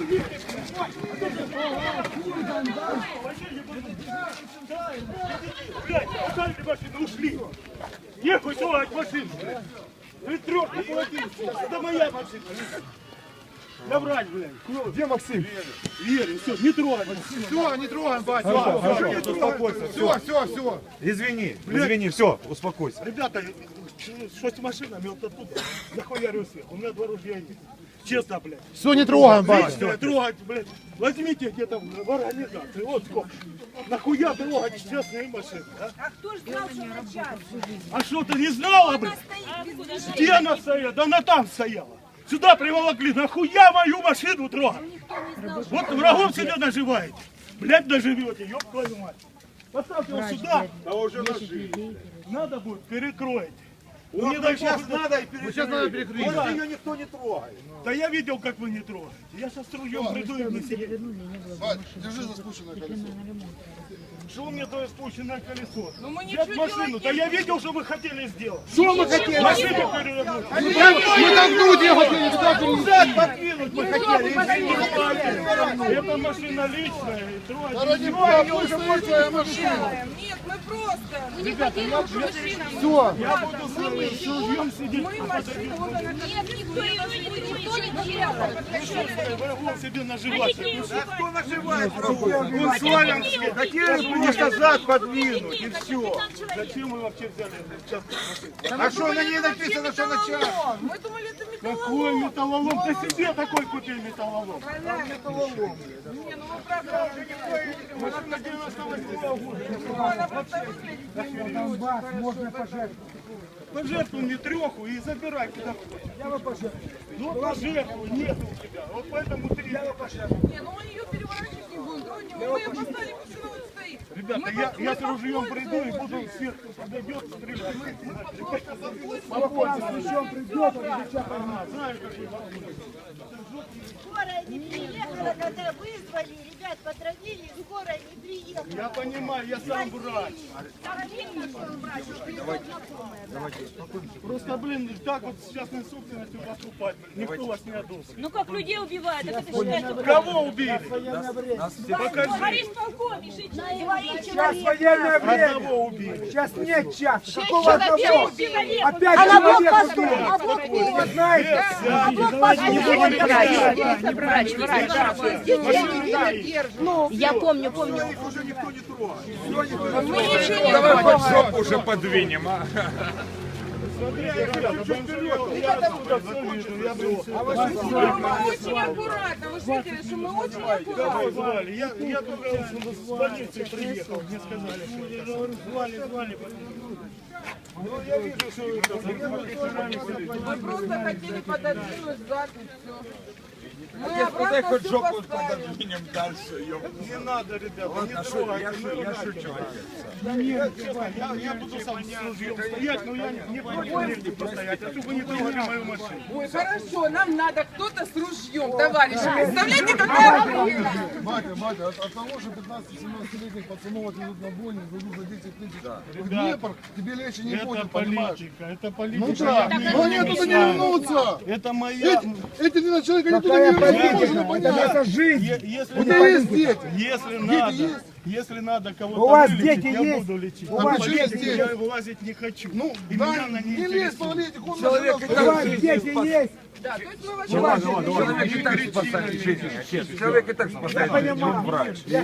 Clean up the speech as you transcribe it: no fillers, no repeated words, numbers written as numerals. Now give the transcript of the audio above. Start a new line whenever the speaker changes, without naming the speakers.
Блядь, оставили машину, ушли. Нехуй трогать машину, блядь. Вы трёхи полотенце. Это моя машина. Да брать, блядь.
Где Максим?
Верю, все, не трогай.
Все, не трогаем, батя.
Хорошо, успокойся.
Все.
Извини, извини, все, успокойся.
Ребята, что с машинами, вот оттуда захуярю всех. У меня 2 ружья есть. Честно, блядь.
Все, не трогаем, батя.
Лично трогать, блядь. Возьмите где-то в организации. Вот сколько. Нахуя трогать честные машины, а?
А кто ж знал, что на час?
А что, ты не знала, блядь? Где она стояла? Да она там стояла. Сюда приволокли. Нахуя мою машину трогать? Вот врагов себе наживаете. Блядь, наживете, ёб твою мать. Поставьте его сюда.
А уже нашли.
Надо будет, перекроете.
Ну,
Не дай
сейчас
бог,
надо и
Сейчас надо перекрыть.
Больше ее никто не трогает.
Да я видел, как вы не трогаете. Я сейчас с ружьем приду и не сидеть.
Бать, держи за спущенное колесо.
Что у меня то спущенное колесо?
Ну мы
Взять
ничего
машину, да я видел, что вы хотели сделать.
Что мы хотели?
Машину перевернуть.
Мы толкнуть ее хотели, туда перенести.
Назад подкинуть мы хотели. Извините, это машина личная. И трогать
Да ради
не
бога,
будем.
пусть стоит твоя машина.
Нет, мы просто.
Ребята, я буду
Все.
с ружьем сидеть.
Мы машину, вот она. Нет, никто не делал.
Врагов себе наживаться.
Кто наживает врагов?
Он Славянский.
Хотели бы назад подвинуть и все.
Зачем вы вообще взяли частную машину?
А что на ней написано, что на час?
Мы думали, это
Какой металлолом? Ты себе такой купил металлолом.
Не, ну мы правда уже не
Машина 98-го года.
Можно пожертвовать.
Пожертвуй мне 3 и забирай куда хочешь.
Я вам пожертвую.
Ну пожертвуй, нет у тебя. Вот поэтому 3.
Я вам пожертвую.
Не, ну мы ее переворачивать не будем. Мы ее поставили, машина вот стоит.
Ребята, я с ружьем приду и буду сверху подойдет, стрелять.
Спокойно, с ружьем придет, он сейчас поймет.
Знаю, какие вопросы.
Скорая не приехала, когда вызвали, ребят потравили, скорая не приехала.
Я понимаю, я сам врач. Просто, блин, так вот с частной собственностью поступать, блин, никто вас не одобрит.
Ну как людей убивают, так это считается.
Кого убили? Покажи.
Борис полковник,
Сейчас военное время.
Одного убили.
Сейчас нет часа. Какого одного?
человек.
Опять человек убили. Вы знаете?
Давайте не будем
Я помню.
Их уже никто не трогает.
Мы ничего не
Давай хоть жопу уже подвинем, а?
Мы очень аккуратно. Вы же видели, что мы очень аккуратно.
Звали. Я только с больницы приехал, мне сказали, что я говорю, звали. Ну, я вижу, что вы
Мы просто хотели пододвинуть сзади, все. Мы
Куда
обратно
хоть
все
жопу
поставили.
подвинем дальше, ёпта.
не надо, ребята, не
Я
трогайте.
шучу.
Я буду сам с ружьем стоять, но я не против негде постоять, а чтобы не трогали мою машину.
Ой, хорошо, нам надо кто-то с ружьем, товарищи. Представляете, какая прелесть?
Батя, от того же 15-17-летних пацанов отвезут на бойню, дадут за 10 тысяч в Днепр, тебе легче не
Это
будет, понимаешь?
политика, это политика.
Ну да, но они оттуда не вернутся.
Это моя...
Эти 12 человек, они туда не вернутся, можно понять. Это жизнь.
Если
У тебя есть дети?
Если надо кого-то
У вас
вылечить,
дети
я
есть?
буду лечить.
У вас
Поверьте,
дети
я
есть?
вылазить не хочу.
Ну,
И
да,
меня она не
не лезь,
интересует.
Павлетик, он
Человек
нас
и
у вас
так
дети есть.
Да, то есть мы
Человек и так спасает жизнь, отец. Человек и так спасает жизнь, он врач.